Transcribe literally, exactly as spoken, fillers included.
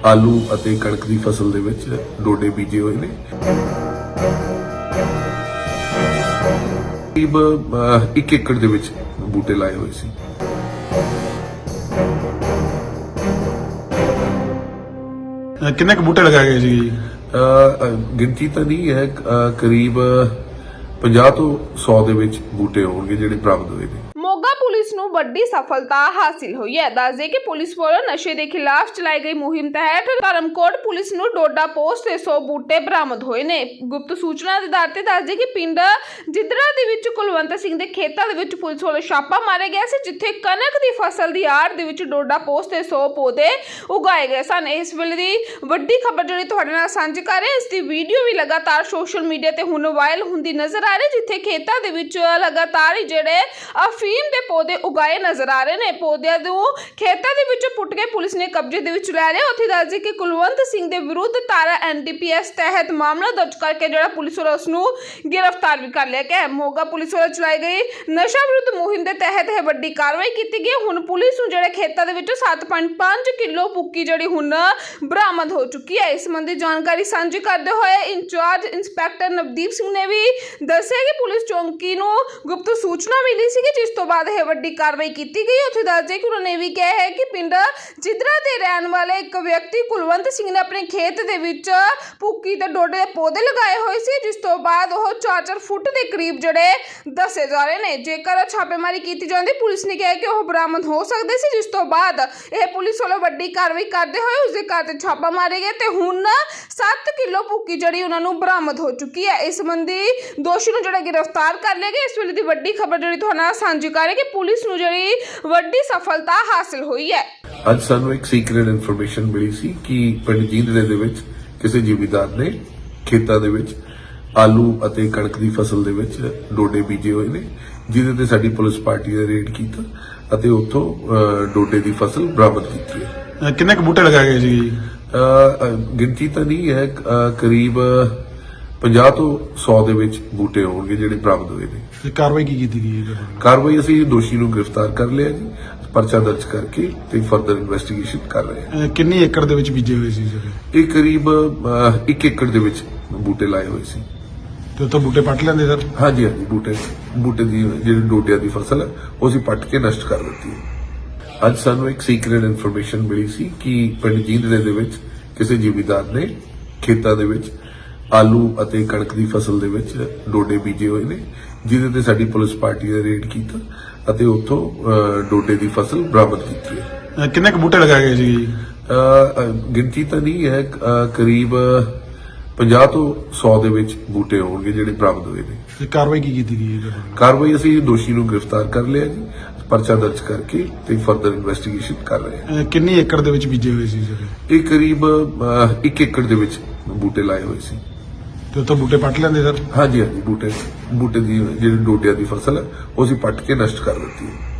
ਆਲੂ ਅਤੇ ਕਣਕ ਦੀ ਫਸਲ ਦੇ ਵਿੱਚ ਡੋਡੇ ਬੀਜੇ ਹੋਏ ਨੇ। ਕਰੀਬ ਇੱਕ ਏਕੜ ਦੇ ਵਿੱਚ ਬੂਟੇ ਲਾਏ ਹੋਏ ਸੀ। ਕਿੰਨੇ ਕੁ ਬੂਟੇ ਲਗਾਏ ਗਏ ਸੀ? ਗਿਣਤੀ ਤਾਂ ਨਹੀਂ ਹੈ, ਕਰੀਬ ਪੰਜਾਹ ਤੋਂ ਸੌ ਦੇ ਵਿੱਚ ਬੂਟੇ ਹੋਣਗੇ ਜਿਹੜੇ ਬਰਾਮਦ ਹੋਏ ਨੇ। ਮੋਗਾ ਪੁਲਿਸ ਨੂੰ ਵੱਡੀ ਸਫਲਤਾ ਹਾਸਿਲ ਹੋਈ ਹੈ। ਦੱਸਦੇ ਕਿ ਪੁਲਿਸ ਵੱਲੋਂ ਨਸ਼ੇ ਦੇ ਖਿਲਾਫ ਚਲਾਈ ਗਈ ਮੁਹਿੰਮ ਤਹਿਤ ਧਰਮਕੋਟ ਪੁਲਿਸ ਨੂੰ ਡੋਡਾ ਪੋਸਟ ਤੇ ਸੌ ਬੂਟੇ ਬਰਾਮਦ ਹੋਏ ਨੇ। ਗੁਪਤ ਸੂਚਨਾ ਦੇ ਆਧਾਰ ਤੇ ਦੱਸਦੇ ਕਿ ਪਿੰਡ ਜਿੱਦਰਾ ਦੇ ਵਿੱਚ ਕੁਲਵੰਤ ਸਿੰਘ ਦੇ ਖੇਤਾਂ ਦੇ ਵਿੱਚ ਪੁਲਿਸ ਵੱਲੋਂ ਛਾਪਾ ਮਾਰਿਆ ਗਿਆ ਸੀ, ਜਿੱਥੇ ਕਣਕ ਦੀ ਫਸਲ ਦੀ ਆੜ ਦੇ ਵਿੱਚ ਡੋਡਾ ਪੋਸਟ ਤੇ ਸੌ ਪੌਦੇ ਉਗਾਏ ਗਏ ਸਨ। ਇਸ ਵੇਲੇ ਦੀ ਵੱਡੀ ਖਬਰ ਜਿਹੜੀ ਤੁਹਾਡੇ ਨਾਲ ਸਾਂਝੀ ਕਰ ਰਹੇ, ਇਸ ਦੀ ਵੀਡੀਓ ਵੀ ਲਗਾਤਾਰ ਸੋਸ਼ਲ ਮੀਡੀਆ ਤੇ ਹੁਣ ਵਾਇਰਲ ਹੁੰਦੀ ਨਜ਼ਰ ਆ ਰਹੀ, ਜਿੱਥੇ ਖੇਤਾਂ ਦੇ ਵਿੱਚ ਲਗਾਤਾਰ ਹੀ ਜਿਹੜੇ ਅਫੀਮ ਦੇ ਪੌਦੇ ਉਗਾਏ ਨਜ਼ਰ ਆ ਰਹੇ ਨੇ। ਪੌਦਿਆਂ ਨੂੰ ਖੇਤਾਂ ਦੇ ਵਿੱਚੋਂ ਪੁੱਟ ਕੇ ਪੁਲਿਸ ਨੇ ਕਬਜ਼ੇ ਦੇ ਵਿੱਚ ਲੈ ਲਿਆ। ਉੱਥੇ ਦੱਸਦੇ ਕਿ ਕੁਲਵੰਤ ਸਿੰਘ ਦੇ ਵਿਰੁੱਧ ਧਾਰਾ ਐਨ ਡੀ ਪੀ ਐਸ ਤਹਿਤ ਮਾਮਲਾ ਦਰਜ ਕਰਕੇ ਜਿਹੜਾ ਪੁਲਿਸ ਵੱਲੋਂ ਉਸ ਨੂੰ ਗ੍ਰਿਫਤਾਰ ਵੀ ਕਰ ਲਿਆ ਗਿਆ। ਮੋਗਾ ਪੁਲਿਸ ਵੱਲੋਂ ਚਲਾਈ ਗਈ ਨਸ਼ਾ ਵਿਰੁੱਧ ਮੁਹਿੰਮ ਦੇ ਤਹਿਤ ਇਹ ਵੱਡੀ ਕਾਰਵਾਈ ਕੀਤੀ ਗਈ। ਹੁਣ ਪੁਲਿਸ ਨੂੰ ਜਿਹੜੇ ਖੇਤਾਂ ਦੇ ਵਿੱਚੋਂ ਸੱਤ ਪੁਆਇੰਟ ਪੰਜ ਕਿਲੋ ਭੁੱਕੀ ਜਿਹੜੀ ਹੁਣ ਬਰਾਮਦ ਹੋ ਚੁੱਕੀ ਹੈ। ਇਸ ਸੰਬੰਧੀ ਜਾਣਕਾਰੀ ਸਾਂਝੀ ਕਰਦੇ ਹੋਏ ਇੰਚਾਰਜ ਇੰਸਪੈਕਟਰ ਨਵਦੀਪ ਸਿੰਘ ਨੇ ਵੀ ਦੱਸਿਆ ਕਿ ਪੁਲਿਸ ਚੌਂਕੀ ਨੂੰ ਗੁਪਤ ਸੂਚਨਾ ਮਿਲੀ ਸੀ, ਜਿਸ ਤੋਂ ਬਾਅਦ ਇਹ ਵੱਡੀ ਕਾਰਵਾਈ ਕੀਤੀ ਗਈ। ਉੱਥੇ ਦੱਸਦੇ ਕਿ ਉਹਨਾਂ ਨੇ ਵੀ ਕਿਹਾ ਹੈ ਕਿ ਪਿੰਡ ਜਿੱਦਰਾ ਦੇ ਰਹਿਣ ਵਾਲੇ ਇੱਕ ਵਿਅਕਤੀ ਕੁਲਵੰਤ ਸਿੰਘ ਨੇ ਆਪਣੇ ਖੇਤ ਦੇ ਵਿੱਚ ਭੁੱਕੀ ਤੇ ਡੋਡੇ ਦੇ ਪੌਦੇ ਲਗਾਏ ਹੋਏ ਸੀ, ਜਿਸ ਤੋਂ ਬਾਅਦ ਉਹ ਚਾਰ ਚਾਰ ਫੁੱਟ ਦੇ ਕਰੀਬ ਜਿਹੜੇ ਦੱਸੇ ਜਾ ਰਹੇ ਨੇ। ਜੇਕਰ ਛਾਪੇਮਾਰੀ ਕੀਤੀ ਜਾਂਦੀ, ਪੁਲਿਸ ਨੇ ਕਿਹਾ ਕਿ ਉਹ ਬਰਾਮਦ ਹੋ ਸਕਦੇ ਸੀ, ਜਿਸ ਤੋਂ ਬਾਅਦ ਇਹ ਪੁਲਿਸ ਵੱਲੋਂ ਵੱਡੀ ਕਾਰਵਾਈ ਕਰਦੇ ਹੋਏ ਉਸਦੇ ਘਰ ਤੇ ਛਾਪਾ ਮਾਰਿਆ ਗਿਆ ਤੇ ਹੁਣ ਸੱਤ ਕਿਲੋ ਭੁੱਕੀ ਜਿਹੜੀ ਉਹਨਾਂ ਨੂੰ ਬਰਾਮਦ ਹੋ ਚੁੱਕੀ ਹੈ। ਇਸ ਸੰਬੰਧੀ ਦੋਸ਼ੀ ਨੂੰ ਜਿਹੜਾ ਗ੍ਰਿਫਤਾਰ ਕਰ ਲਿਆ ਗਿਆ। ਇਸ ਵੇਲੇ ਦੀ ਵੱਡੀ ਖਬਰ ਜਿਹੜੀ ਤੁਹਾਡੇ ਨਾਲ ਸਾਂਝੀ ਕਰ ਰਹੀ ਕਿ ਪੁਲਿਸ ਨੂੰ ਜਿਹੜੀ ਵੱਡੀ ਸਫਲਤਾ ਹਾਸਿਲ ਹੋਈ ਹੈ। ਅੱਜ ਸਾਨੂੰ ਇੱਕ ਸੀਕ੍ਰੇਟ ਇਨਫੋਰਮੇਸ਼ਨ ਮਿਲੀ ਸੀ ਕਿ ਪਿੰਡ ਜੀਂਦੜੇ ਦੇ ਵਿੱਚ ਕਿਸੇ ਜ਼ਿਮੀਂਦਾਰ ਨੇ ਖੇਤਾਂ ਦੇ ਵਿੱਚ ਆਲੂ ਅਤੇ ਕਣਕ ਦੀ ਫਸਲ ਦੇ ਵਿੱਚ ਡੋਡੇ ਬੀਜੇ ਹੋਏ ਨੇ, ਜਿਹਦੇ ਤੇ ਸਾਡੀ ਪੁਲਿਸ ਪਾਰਟੀ ਨੇ ਰੇਡ ਕੀਤਾ ਅਤੇ ਉੱਥੋਂ ਡੋਡੇ ਦੀ ਫਸਲ ਬਰਾਮਦ ਕੀਤੀ ਹੈ। ਕਿੰਨੇ ਕੁ ਬੂਟੇ ਲਗਾਏ ਗਏ ਸੀ? ਗਿਣਤੀ ਤਾਂ ਨਹੀਂ ਹੈ, ਕਰੀਬ ਪੰਜਾਹ ਤੋਂ ਸੌ ਦੇ ਵਿੱਚ ਬੂਟੇ ਹੋਣਗੇ ਜਿਹੜੇ ਬਰਾਮਦ ਹੋਏ ਨੇ। ਕਾਰਵਾਈ ਕੀ ਕੀਤੀ ਗਈ ਹੈ? ਕਾਰਵਾਈ ਅਸੀਂ ਦੋਸ਼ੀ ਨੂੰ ਗ੍ਰਿਫਤਾਰ ਕਰ ਲਿਆ ਜੀ, ਪਰਚਾ ਦਰਜ ਕਰਕੇ ਤੇ ਫਰਦਰ ਇਨਵੈਸਟੀਗੇਸ਼ਨ ਕਰ ਰਹੇ ਹਾਂ। ਕਿੰਨੀ ਏਕੜ ਦੇ ਵਿੱਚ ਬੀਜੇ ਹੋਏ ਸੀ? ਇਹ ਕਰੀਬ ਇੱਕ ਏਕੜ ਦੇ ਵਿੱਚ ਬੂਟੇ ਲਾਏ ਹੋਏ ਸੀ। ਤੇ ਉੱਥੋਂ ਬੂਟੇ ਪੱਟ ਲੈਂਦੇ ਸਰ? ਹਾਂਜੀ ਹਾਂਜੀ, ਬੂਟੇ ਬੂਟੇ ਦੀ ਜਿਹੜੀ ਡੋਡਿਆਂ ਦੀ ਫਸਲ ਹੈ ਉਹ ਅਸੀਂ ਪੱਟ ਕੇ ਨਸ਼ਟ ਕਰ ਦਿੱਤੀ ਹੈ। ਅੱਜ ਸਾਨੂੰ ਇੱਕ ਸੀਕ੍ਰੇਟ ਇਨਫੋਰਮੇਸ਼ਨ ਮਿਲੀ ਸੀ ਕਿ ਪਿੰਡ ਜੀਂਦੜੇ ਦੇ ਵਿੱਚ ਕਿਸੇ ਜ਼ਿਮੀਂਦਾਰ ਨੇ ਖੇਤਾਂ ਦੇ ਵਿੱਚ ਆਲੂ ਅਤੇ ਕਣਕ ਦੀ ਫਸਲ ਦੇ ਵਿੱਚ ਡੋਡੇ ਬੀਜੇ ਹੋਏ ਨੇ, ਜਿਹਦੇ ਤੇ ਸਾਡੀ ਪੁਲਿਸ ਪਾਰਟੀ ਨੇ ਰੇਡ ਕੀਤਾ ਅਤੇ ਉੱਥੋਂ ਡੋਡੇ ਦੀ ਫਸਲ ਬਰਾਮਦ ਕੀਤੀ ਹੈ। ਕਿੰਨੇ ਕੁ ਬੂਟੇ ਲਗਾਏ ਗਏ ਸੀ? ਗਿਣਤੀ ਤਾਂ ਨਹੀਂ ਹੈ, ਕਰੀਬ ਪੰਜਾਹ ਤੋਂ ਸੌ ਦੇ ਵਿੱਚ ਬੂਟੇ ਹੋਣਗੇ ਜਿਹੜੇ ਬਰਾਮਦ ਹੋਏ ਨੇ। ਕਾਰਵਾਈ ਕੀ ਕੀਤੀ ਗਈ ਹੈ? ਕਾਰਵਾਈ ਅਸੀਂ ਦੋਸ਼ੀ ਨੂੰ ਗ੍ਰਿਫਤਾਰ ਕਰ ਲਿਆ ਜੀ, ਪਰਚਾ ਦਰਜ ਕਰਕੇ ਤੇ ਫਰਦਰ ਇਨਵੈਸਟੀਗੇਸ਼ਨ ਕਰ ਰਹੇ ਹਾਂ। ਕਿੰਨੀ ਏਕੜ ਦੇ ਵਿੱਚ ਬੀਜੇ ਹੋਏ ਸੀ? ਇਹ ਕਰੀਬ ਇੱਕ ਏਕੜ ਦੇ ਵਿੱਚ ਬੂਟੇ ਲਾਏ ਹੋਏ ਸੀ। ਤੇ ਉੱਥੋਂ ਬੂਟੇ ਪੱਟ ਲੈਂਦੇ ਸਰ? ਹਾਂਜੀ ਹਾਂਜੀ, ਬੂਟੇ ਬੂਟੇ ਦੀ ਜਿਹੜੀ ਡੋਡਿਆਂ ਦੀ ਫਸਲ ਹੈ ਉਹ ਅਸੀਂ ਪੱਟ ਕੇ ਨਸ਼ਟ ਕਰ ਦਿੱਤੀ ਹੈ।